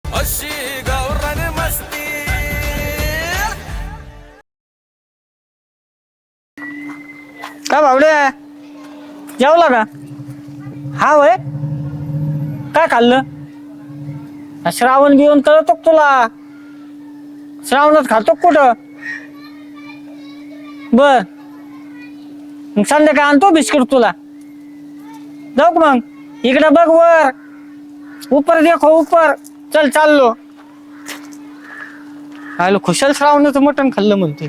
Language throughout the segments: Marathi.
अशी गावरान मस्ती. का बावडे जेवला का? हा वय काय खाल्लं? श्रावण बिवण कळतो का तुला? श्रावणात खातो कुठं? बर मग संध्याकाळी आणतो बिस्किट तुला. जाऊ का मग? इकडे बघ वर, उपर देखो उपर. चल चाललो. आलो खुशाल श्रावणाचं मटण खाल्लं म्हणते.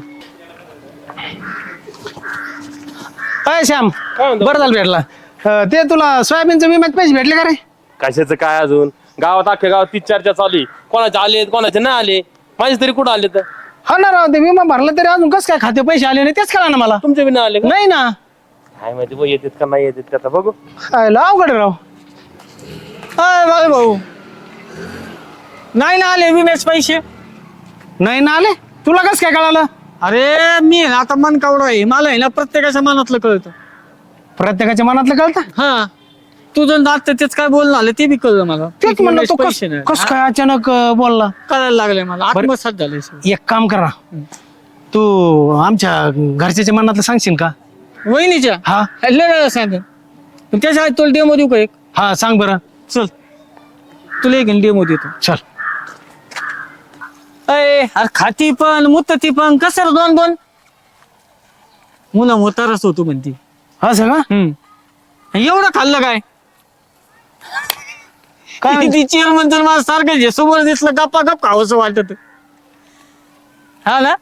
काय श्याम काय म्हणतो? बरं झालं भेटला. ते तुला सोयाबीनचं विम्याचे पैसे भेटले का रे? कशाचं काय अजून गावात अख्ख्या गावात तीच चर्चा चालू आहे. कोणाचे आले कोणाचे नाही आले. माझे तरी कुठं आले तर हा ना राव, ते विमा भरला तरी अजून कसं काय खाते पैसे आले नाही तेच कळा ना मला. तुमचे बी नाही आले का? नाही ना. काय माहिती बघ येतात का नाही येतात त्याचा बघू. काय अवघड आहे राव. अय भाऊ नाही ना आले विम्याचे पैसे. नाही ना आले, तुला कसं काय कळालं? अरे मी ना आता मन कावडा आहे, मला आहे ना प्रत्येकाच्या मनातलं कळतं. प्रत्येकाच्या मनातलं कळतं. हा तुझं दात तेच काय बोलणं आलं ते बी कळलं मला. तेच म्हणलं तू पैसे नाही कस काय अचानक बोलला. कळायला लागले मला, आत्मसात झाले सगळं. एक काम करा, तू आमच्या घरच्याच्या मनातलं सांगशील का? वहिनीच्या हा लय सांग त्याच्या आधी तुला डेमो देऊ का एक? हा सांग बरं. चल तुला एक डेमो देतो. चल. अरे खाती पण मुतती पण कसं रे दोन दोन मुलं मोतारच होतो म्हणती. असं का? एवढं खाल्लं काय? काय ती चेअरमन तर मला सारखं जे समोर दिसलं गप्पा गप खावंसं वाटत. हा ना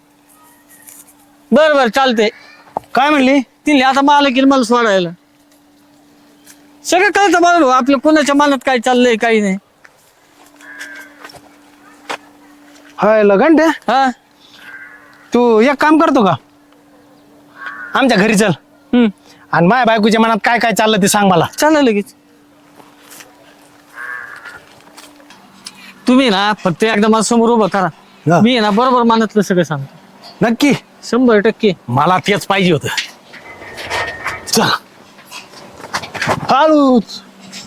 बर बर चालतंय. काय म्हणली? तिने आता मला की मला सोडायला सगळं कळतं मला भाऊ, आपल्या कोणाच्या मनात काय चाललंय काही नाही. हाय लगंड हा तू एक काम करतो का, आमच्या घरी चल आणि माझ्या बायकोच्या मनात काय काय चाललं ते सांग मला. चालेल लगेच. तुम्ही ना फक्त एकदा मला समोर उभं करा, हा. मी ना बरोबर मनातलं सगळं सांगतो. नक्की 100% मला तेच पाहिजे होत. चल हळूच.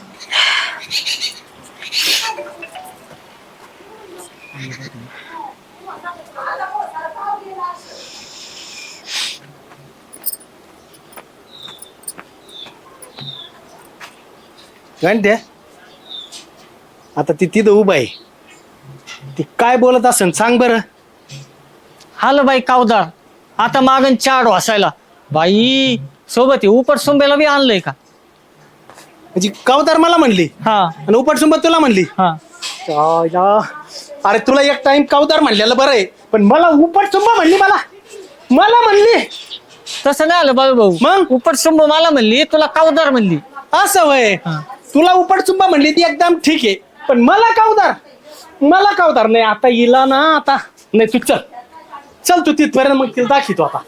घंटे आता ती तिथं उभा आहे, ती काय बोलत असेल सांग बरं. हाल बाई कावदार आता मागन चाड वासायला बाई सोबत उपट सोंब्याला बी आणलंय का? म्हणजे कावतार मला म्हणली हा आणि उपटसुंबत तुला म्हणली. हा अरे तुला एक टाइम कावतार म्हणलेलं बरं आहे, पण मला उपटसुंब म्हणली. मला म्हणली तसं नाही आलं बाबू भाऊ. मग? उपट सोंब मला म्हणली, तुला कावदार म्हणली. असं वय. तुला उपटसुंब म्हणली ती एकदम ठीक आहे, पण मला कावतार नाही. आता हिला ना आता नाही. तू चल तू तिथपर्यंत मग तिला दाखवतो आता.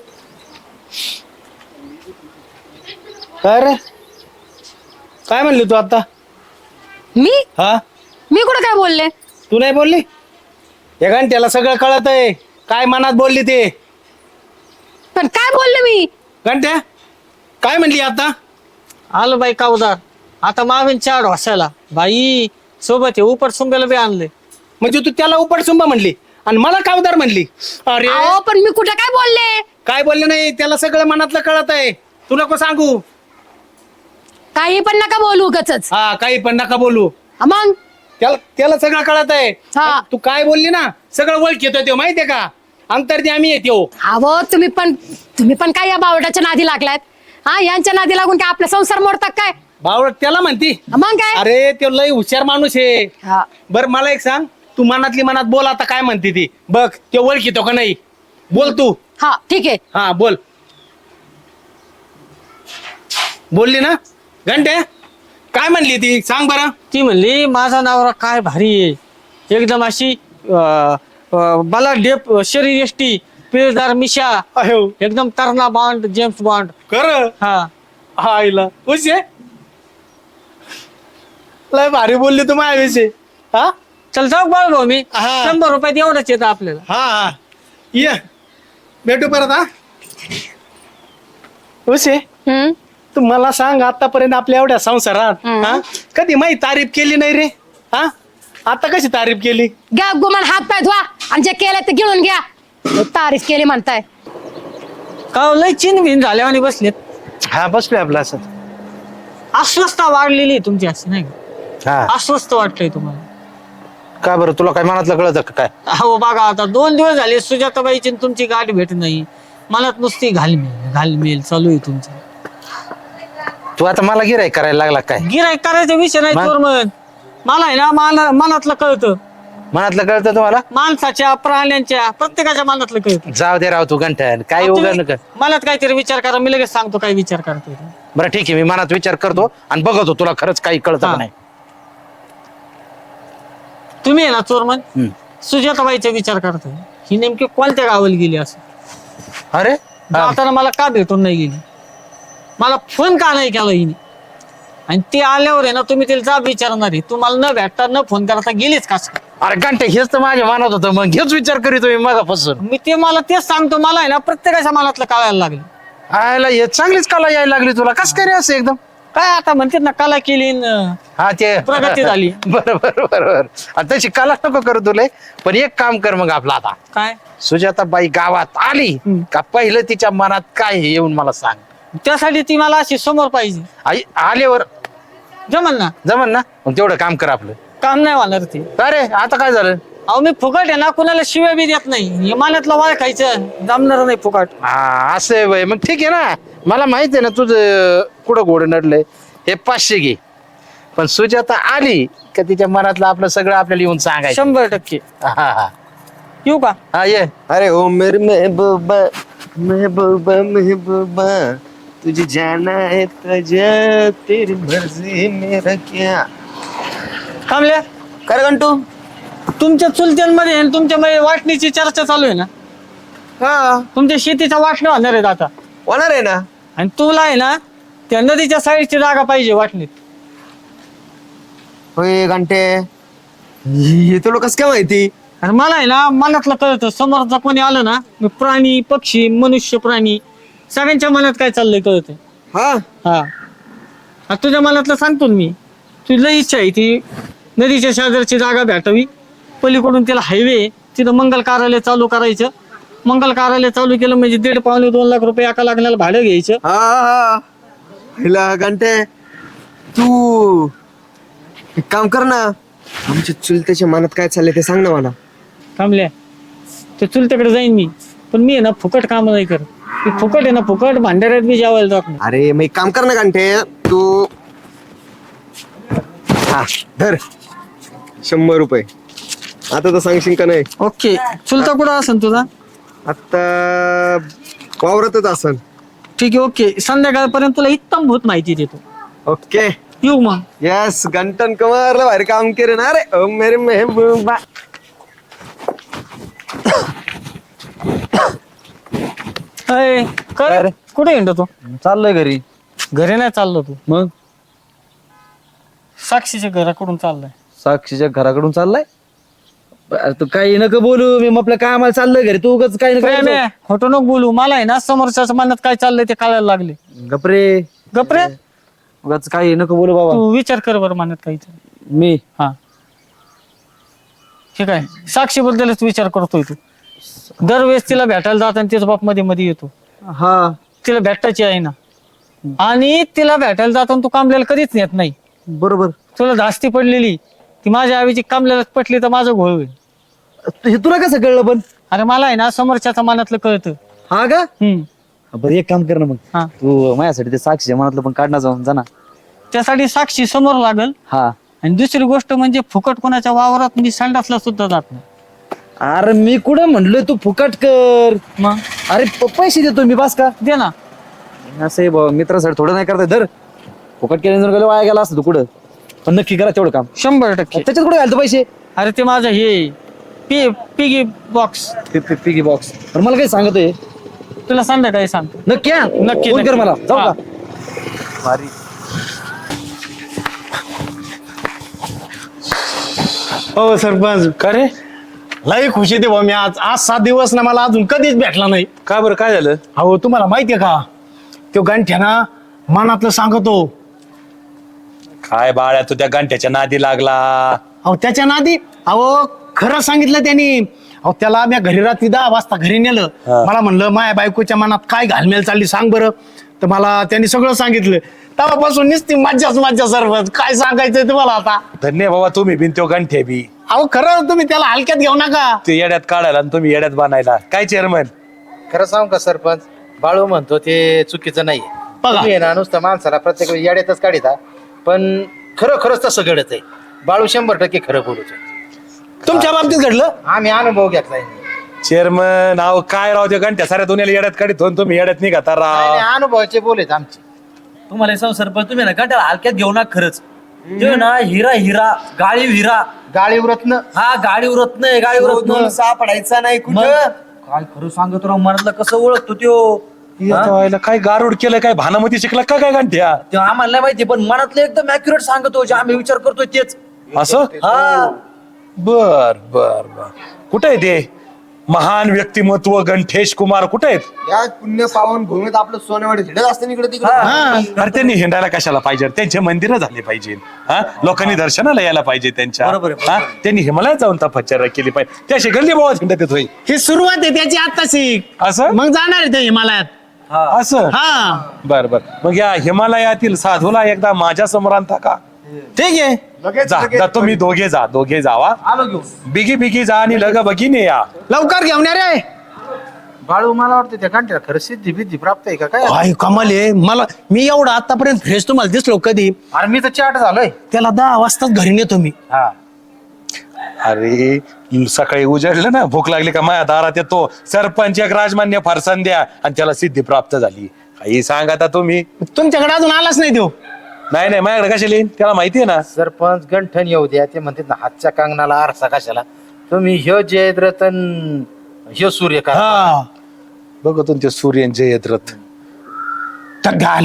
अरे काय म्हणली तू आता? मी हा मी कुठं काय बोलले? तू नाही बोलली? हे घंट्याला सगळं कळत आहे काय मनात बोलली ते. पण काय बोलले मी? घंट्या काय म्हणली आता? आलं बाई कावदार आता मागन चाड वासायला बाई सोबत उपट सोंब्याला बी आणलंय. म्हणजे तू त्याला उपटसुंब म्हणली आणि मला कावदार म्हणली. अरे अहो पण मी कुठं काय बोलले? काय बोलले नाही, त्याला सगळं मनातलं कळत आहे. तू नको सांगू. काही पण नका बोलू उगाचच. हा काही पण नका बोलू. मग त्याला सगळं कळत आहे. हा. तू काय बोलली ना सगळं ओळख येतो तो माहितीये का. अंतर्दी आम्ही येतो. अहो तुम्ही पण काय या बावटाच्या नादी लागलात? हा यांच्या नादी लागून काय आपला संसार मोडतात काय? बावळट त्याला म्हणती. मग काय? अरे तो लय हुशार माणूस आहे. हा. बर मला एक सांग, तू मनातली मनात बोल आता काय म्हणते ती बघ. ते ओळख येतो का नाही बोल तू. हा ठीक आहे. हा बोल. बोलली ना घंटे? काय म्हणली ती सांग बरं. ती म्हणली माझा नवरा काय भारी आहे, एकदम अशी मला डेप शरीर यष्टी पिळदार मिशा अहो एकदम तरणा बॉन्ड जेम्स बॉन्ड. कर हा हा आईला खुश आहे. लय भारी बोलली तू माझ्याविषयी. हा चल जाऊ बाळ भाऊ मी हा. 100 रुपयात एवढंच येतं आपल्याला. हा ये भेटू परत. हा खुश आहे. तू मला सांग आतापर्यंत आपल्या एवढ्या संसारात हा कधी माही तारीफ केली नाही रे. हा आता कशी तारीफ केली? घ्या गुमान हात पाय धुवा आणि जे केलंय ते गिळून घ्या. तारीफ केली म्हणताय. का लय चिन भिन झाल्या आणि बसलेत. हा बसलोय आपलं असं. अस्वस्थता वाढलेली आहे तुमची अशी नाही का? हा अस्वस्थ वाटतंय तुम्हाला. का बरं तुला काय मनातलं कळतं का काय? हो बघा आता 2 दिवस झाले सुजाताबाईची आणि तुमची गाठ भेट नाही. मनात नुसती घालमेल चालू आहे तुमचं. तू आता मला गिराईक करायला लागला काय? गिराईक करायचा विषय नाही मग? चोरमन. मला आहे ना मनातलं कळतं. मनातलं कळतं तुम्हाला? माणसाच्या प्राण्यांच्या प्रत्येकाच्या मनातलं कळतं. जाऊ दे राव तू घंटन काय तुम्ही उगा नका. मनात काहीतरी विचार करा, मी लगेच सांगतो काय विचार करतोय ते. बरं ठीक आहे, मी मनात विचार करतो आणि बघतो तुला खरंच काही कळतं हा. का नाही. तुम्ही आहे ना चोरमन हम्म. सुजाताबाईचा विचार करताय. ही नेमकी कोणत्या गावाला गेली असं? अरे हा. जाताना मला का भेटून नाही गेली? मला फोन का नाही केला हिने? आणि ती आल्यावर आहे ना तुम्ही तिला जाब विचारणार आहे. तुम्हाला न भेटता न फोन करता गेलीच का? अरे घंटे हेच तर माझ्या मनात होतं, मग हेच विचार करीतो मी मगापासून. मी मला तेच सांगतो. मला आहे ना प्रत्येकाच्या मनातलं कळायला लागलं. आयला हे चांगलीच कला यायला लागली तुला. कस काय रे असं एकदम? काय आता म्हणतात ना कला केली न हा ते प्रगती झाली. बरोबर. आता तशी कला नको करू तुला, पण एक काम कर मग आपलं आता. काय सुजाताबाई गावात आली का पहिलं तिच्या मनात काय हे येऊन मला सांग. त्यासाठी ती मला अशी समोर पाहिजे. आई आल्यावर जमल ना? जमन ना? मग तेवढं काम कर आपलं. काम नाही होणार ते. अरे आता काय झालं? अहो मी फुकट आहे ना कुणाला शिव्या बी देत नाही. इमानातलं वाळ खायचं जमणार नाही फुकट. हा असं आहे बाई. मग ठीक आहे ना, मला माहित आहे ना तुझं कुठं घोडं नडलंय. हे 500 घे, पण सुजाता आली का तिच्या मनातलं आपलं सगळं आपल्याला येऊन सांगायचं. 100%. हा येऊ का? हा ये. अरे ओ मेरे महबूबा महबूबा महबूबा तुझे जाना है तुझे तेरी मर्जी मेरा क्या. थांबल्या कर घंटू. तुमच्या चुलत्यांमध्ये आणि तुमच्या वाटणीची चर्चा चालू आहे ना? हा तुमच्या शेतीचा वाटणं होणार आहे आता. होणार आहे ना. आणि तुला आहे ना त्या नदीच्या साईडची जागा पाहिजे वाटणीत. होय घंटे, हे तुला कसं काय माहिती? आणि मला आहे ना मनातलं कळतं. समोरचा कोणी आलं ना, मी प्राणी पक्षी मनुष्य प्राणी सगळ्यांच्या मनात काय चाललंय कळतं. हा हा आता तुझ्या मनातलं सांगतो ना मी. तुझी लई इच्छा आहे ती नदीच्या शेजारची जागा भेटावी. पलीकडून तिला हायवे, तिथं मंगल कार्यालय चालू करायचं. मंगल कार्यालय चालू केलं म्हणजे 1.5-2 लाख रुपये एका लागण्याला भाडं घ्यायचं. हा हा हिला घंटे, तू एक काम कर ना, आमच्या चुलत्याच्या मनात काय चाललंय ते सांग ना मला. थांबल्या ते चुलत्याकडे जाईन मी, पण मी आहे ना फुकट काम नाही करत. मी फुकट आहे ना फुकट भांडाऱ्यात मी जेवायला जात नाही. अरे मग एक काम कर ना घंटे, तू हा धर 100 रुपये. आता तर सांगशील का नाही? ओके. चुलता कुठं असेल तुझा? आता वावरतच असन. ठीक आहे ओके. संध्याकाळपर्यंत तुला उत्तम भूत माहिती देतो. ओके येऊ मग. यस घंटन कमारला भारी काम केलं ना. अरे ओ मेरे महबूबा. अय, कर कुठे हिंडतो तू? चाललोय घरी. घरी नाही चाललो तू. मग साक्षीच्या घराकडून चाललाय. साक्षीच्या घराकडून चाललाय? अरे तू काही नका बोलू, मी आपल्या कामाला चाललोय घरी. तू उगाच काही प्रेम आहे, खोटं नको बोलू. मला आहे ना समोरच्या मनात काय चाललंय ते कळायला लागले. गपरे. गपरे उगाच काही नको बोलू बाबा. तू विचार कर बरं मनात काही. मी हा ठीक आहे. साक्षी बद्दलच विचार करतोय तू. दरवेळेस तिला भेटायला जात आणि तिचा बाप मध्ये मध्ये येतो. हा तिला भेटायची आहे ना, आणि तिला भेटायला जाताना तू कामल्याला कधीच नेत नाही. बरोबर. तुला धास्ती पडलेली ती माझ्या आईची कामल्याला पटली तर माझं घोळ होईल. हे तुला कसं कळलं पण? अरे मला आहे ना समोरच्याच्या मनातलं कळतं. हा का? हम्म. बरं एक काम कर ना मग, हा तू माझ्यासाठी ते साक्षीच्या मनातलं पण काढणार जाऊन जा ना. त्यासाठी साक्षी समोर लागल. हा. आणि दुसरी गोष्ट म्हणजे फुकट कोणाच्या वावरात मी संडासला सुद्धा जात नाही. अरे मी कुठं म्हणलोय तू फुकट कर. मग अरे पैसे देतो मी, बास का? दे ना. असं आहे मित्रासाठी थोडं नाही करताय. धर फुकट केल्याने जर गेलं वाया गेला असतं तू कुठं. पण नक्की करा तेवढं काम. 100%. त्याच्यात कुठे घालतो पैसे? अरे ते माझं हे पिगी बॉक्स. Piggy box. पण मला काही सांगतोय तुला संध्याकाळी सांगतो. नक्की. हा? नक्की, फोन कर नक्की. मला. जाऊ हा. का? भारी. हो सरपंच. का रे? लई खुशी दे मी आज 7 दिवस ना मला अजून कधीच भेटला नाही. का बरं काय झालं? अहो तुम्हाला माहितीये का, तो गंठ्या ना मनातलं सांगतो. काय बाळ्या तू त्या घंट्याच्या नादी लागला. अहो त्याच्या नादी अहो खरं सांगितलं त्यांनी. अहो त्याला मी घरी रात्री 10 वाजता घरी नेलं. मला म्हणलं माया बायकोच्या मनात काय घालमेल चालली सांग बरं. तर मला त्यांनी सगळं सांगितलं. तेव्हापासून नुसती मज्जा सरपंच. काय सांगायचंय तुम्हाला आता. धन्य बाबा तुम्ही बिन त्यो गंठे बी अहो खरं तुम्ही त्याला हलक्यात घेऊ नका. ते येड्यात काढायला आणि तुम्ही येड्यात बांधायला काय चेअरमन. खरं सांगू का सरपंच, बाळू म्हणतो ते चुकीचं नाही. बघा. तुम्ही आहे ना नुसतं माणसाला प्रत्येक वेळी येड्यातच काढिता, पण खरंच तसं घडत आहे. बाळू 100% खरं बोलतोय. तुमच्या बाबतीत घडलं. आम्ही अनुभव घेतलाय. चेअरमन अहो काय राव त्या गंठ्या साऱ्या दुनियाला येड्यात काढित होऊन तुम्ही येड्यात निघाता राव. अनुभवाचे बोलेत आमचे. तुम्हाला सांग सरपंच, तुम्ही ना गंठ्याला हलक्यात घेऊ ना. खरंच ते ना हिरा गाळी हिरा. गाळी उरतन हा गाडी उरत नाही, गाडी उरत नाही. सापडायचा नाही मग काय खरं सांगतो राव, मनातलं कसं ओळखतो त्यो. व्हायला काय गारुड केलं, काय भानामती शिकला का काय गंठ्या. ते आम्हाला नाही माहिती, पण मनातलं एकदम अॅक्युरेट सांगतो. जे आम्ही विचार करतोय तेच. असं हा बर बर बर. कुठे आहे ते महान व्यक्तिमत्व गंठेश कुमार कुठे आहेत. या पुण्य पावन भूमीत आपलं सोनेवाडी हिंडत असतं इकडे तिकडे. अरे त्यांनी हिंडायला कशाला पाहिजे, त्यांचे मंदिरं झाले पाहिजे. हा लोकांनी दर्शनाला यायला पाहिजे त्यांच्या. बरोबर आहे, हा त्यांनी हिमालयात जाऊन तपश्चर्या केली पाहिजे. त्याशी गल्ली बोळात हिंडत येतोय ही सुरुवात आहे त्याची आत्ताची. असं. मग जाणार आहे ते हिमालयात. असं हा बर बर. मग या हिमालयातील साधूला एकदा माझ्या समोर आणता का. ठीक आहे. जा तुम्ही दोघे जावा. आलो घेऊन. बिगी जा आणि लग बघीने या. लवकर घेऊन या रे. बाळू मला वाटतं त्या घंट्याला खरं सिद्धी प्राप्त आहे का काय. काय कमाल आहे. मी एवढा आतापर्यंत फ्रेश तुम्हाला दिसलो कधी. अरे मी तर चाट झालोय. त्याला 10 वाजताच घरी नेतो मी. हा अरे सकाळी उजळलं ना, भूक लागली का माझ्या दारात येतो. सरपंच एक राजमान्य फारसन द्या आणि त्याला सिद्धी प्राप्त झाली. काही सांग आता तुम्ही. तुमच्याकडे अजून आलाच नाही देऊ. नाही माझ्याकडे कशाला येईन, त्याला माहितीये ना. सरपंच गंठन येऊ द्या. ते म्हणतात ना हातच्या कंगनाला आरसा कशाला. तुम्ही ह्यो जयद्रथन ह्यो सूर्य का. हा बघतो ते सूर्यन जयद्रथ. आले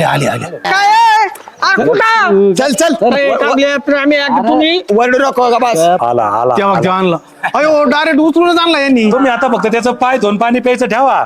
चल तुम्ही वरडू नको का बस. आला तेव्हा आणला. अयो डायरेक्ट उचलूनच आणला यांनी. तुम्ही आता फक्त त्याचं पाय धुवून पाणी प्यायचं ठेवा.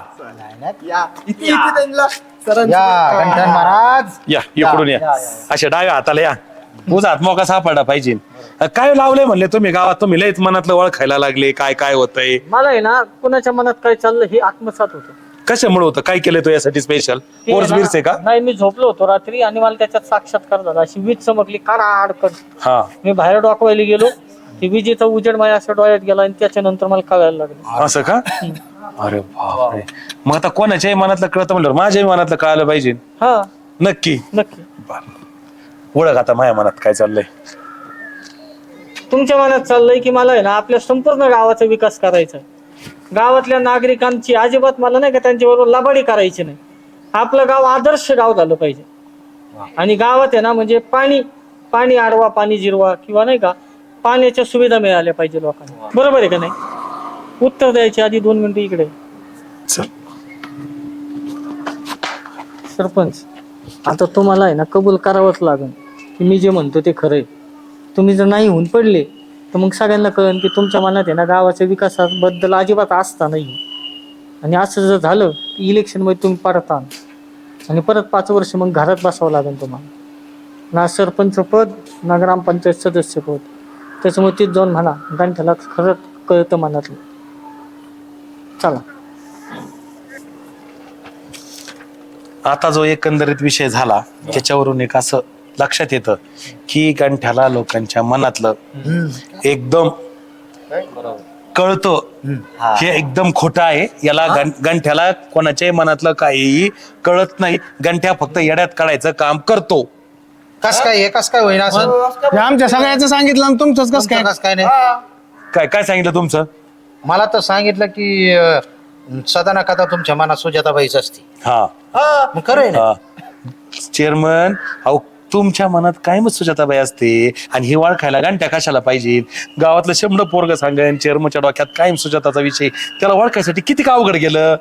या गंठन महाराज या इकडून या. अशा डाव्या हाताला या. उजात मोका सापडला पाहिजे. काय लावलंय म्हणले तुम्ही गावात. तुम्ही लयच मनातलं ओळखायला लागले. काय होतंय. मला आहे ना कुणाच्या मनात काय चाललं हे आत्मसात होतं. कशामुळे होतं, काय केलंय तो यासाठी स्पेशल. ते कोर्स ना- बिर्स आहे का. नाही मी झोपलो होतो रात्री आणि मला त्याच्यात साक्षात्कार झाला. अशी वीज चमकली काढ. हा मी बाहेर डोकवायला गेलो. ती विजेचा उजेड माझ्या असं डोळ्यात गेला आणि त्याच्यानंतर मला कळायला लागलं. असं का. अरे बापरे. मग आता कोणाच्याही मनातलं कळतं म्हणलं माझ्याही मनातलं कळायला पाहिजे. हा नक्की. नक्की. ओळख आता माझ्या मनात काय चाललंय. तुमच्या मनात चाललंय की मला आहे ना आपल्या संपूर्ण गावाचा विकास करायचा आहे. गावातल्या नागरिकांची अजिबात मला नाही का त्यांच्याबरोबर लबाडी करायची नाही. आपलं गाव आदर्श गाव झालं पाहिजे. आणि गावात आहे ना म्हणजे पाणी आडवा पाणी जिरवा किंवा नाही का पाण्याच्या सुविधा मिळाल्या पाहिजे लोकांना. बरोबर आहे का नाही. उत्तर द्यायच्या आधी 2 मिनिटं इकडे. सरपंच आता तुम्हाला आहे ना कबूल करावंच लागेल की मी जे म्हणतो ते खरं आहे. तुम्ही जर नाही होऊन पडले तर मग सगळ्यांना कळेल की तुमच्या मनात आहे ना गावाच्या विकासाबद्दल अजिबात आस्था नाही. आणि असं जर झालं की इलेक्शनमध्ये तुम्ही परत आण आणि परत 5 वर्ष मग घरात बसावं लागेल तुम्हाला. ना सरपंच पद ना ग्रामपंचायत सदस्य पद. त्याच्यामुळे तीच जाऊन म्हणा गंठ्याला खरंच कळतं मनातलं. चला. आता जो एकंदरीत विषय झाला त्याच्यावरून एक असं लक्षात येतं की गंठ्याला लोकांच्या मनातलं एकदम कळतं. हे एकदम खोटं आहे. याला गंठ्याला कोणाच्याही मनातलं काहीही कळत नाही. गंठ्या फक्त येड्यात काढायचं काम करतो. कस काय होईना असं. हे आमच्या सगळ्याचं सांगितलं आणि तुमचंच कसं काय. कस काय नाही. काय सांगितलं तुमचं. मला तर सांगितलं की सदा ना कदा तुमच्या मनात सुजाताबाईच असते. हा मग खरं आहे ना. चेअरमन अहो तुमच्या मनात कायम सुजाताबाई असते आणि ही वाळ खायला गांठ्या कशाला पाहिजे. गावातलं 100 पोरग सांगेन चेअरमनच्या डोक्यात कायम सुजाताचा विषय. त्याला ओळखायसाठी किती का अवघड गेलं.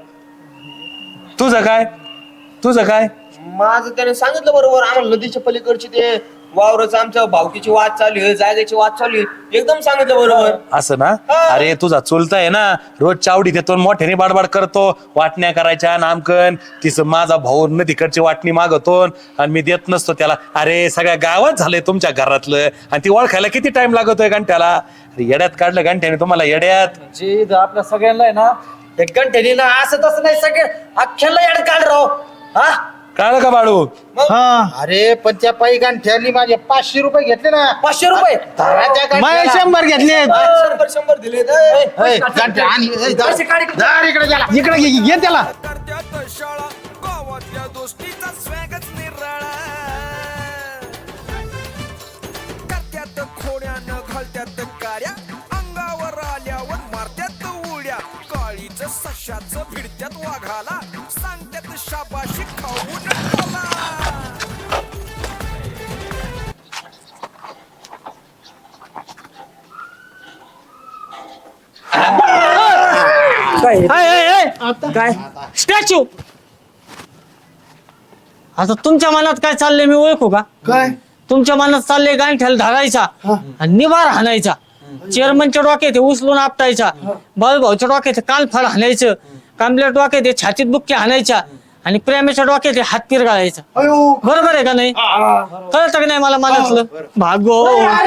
तुझं काय माझं त्याने सांगितलं बरोबर. आम्हाला नदीच्या पलीकडची ते वावरच आमच्या भावकीची वाद चालू आहे, जागेची वाद चालू आहे, एकदम सांगितलं बरोबर. असं ना? अरे तुझा चुलता आहे ना, रोज चावडी देतो आणि मोठ्याने बाडबाड करतो, वाटण्या करायच्या नामकन, तिचं माझा भाऊ न तिकडची वाटणी मागतो आणि मी देत नसतो त्याला. अरे सगळ्या गावात झालंय तुमच्या घरातलं, आणि ती ओळखायला किती टाइम लागतोय घंट्याला. अरे येड्यात काढलं घंट्याने तुम्हाला, येड्यात. जे आपल्या सगळ्यांना आहे ना एक घंटे ना असं तसं नाही सगळे अख्ख्याला याड काढ राव. हा कळलं का बाळू? अरे पण त्या पायी गांठ्यानी माझे 500 रुपये घेतले ना. 500 रुपये धराच्या गांठ्याला. बाय 100 घेतले. 100 दिले. ए, गांठ्या आणि धर इकडे गेला. इकडे घे त्याला. करत्यात शाळा गावातल्या दोस्तीचा स्वॅगच निराळा. करत्यात खोड्यानं घालत्यात कार्या, अंगावर आल्यावर मारत्यात उड्या. काळीच सशाचं भिडत्यात वाघाला, सांगत्यात शाबाशी खाऊन टोला. काय स्टॅच्यू? आता तुमच्या मनात काय चाललंय मी ओळखू का? काय तुमच्या मनात चाललंय गांठ्याला धरायचा आणि निभार हाणायचा, चेअरमनच्या डोक्यात उचलून आपटायचा, बाळूभाऊच्या डोक्यात कानफाड हाणायचं, कांबल्या डोक्यात छातीत बुक्की हाणायच्या आणि प्रेमाच्या डोक्यात हात पिरगाळायचा. बरोबर आहे का नाही? कळतं का नाही मला मनातलं? भागो.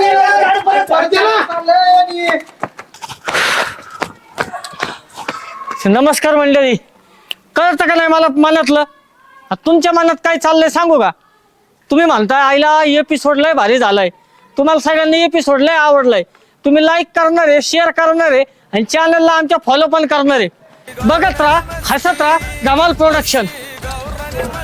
नमस्कार मंडळी. कळतं का नाही मला मनातलं? तुमच्या मनात काय चाललंय सांगू का? तुम्ही म्हणताय आईला एपिसोड लय भारी झालाय, तुम्हाला सगळ्यांनी एपिसोड लय आवडलाय, तुम्ही लाईक करणार आहे, शेअर करणार आहे आणि चॅनलला आमच्या फॉलो पण करणार आहे. बघत राहा, हसत राहा, धमाल प्रोडक्शन.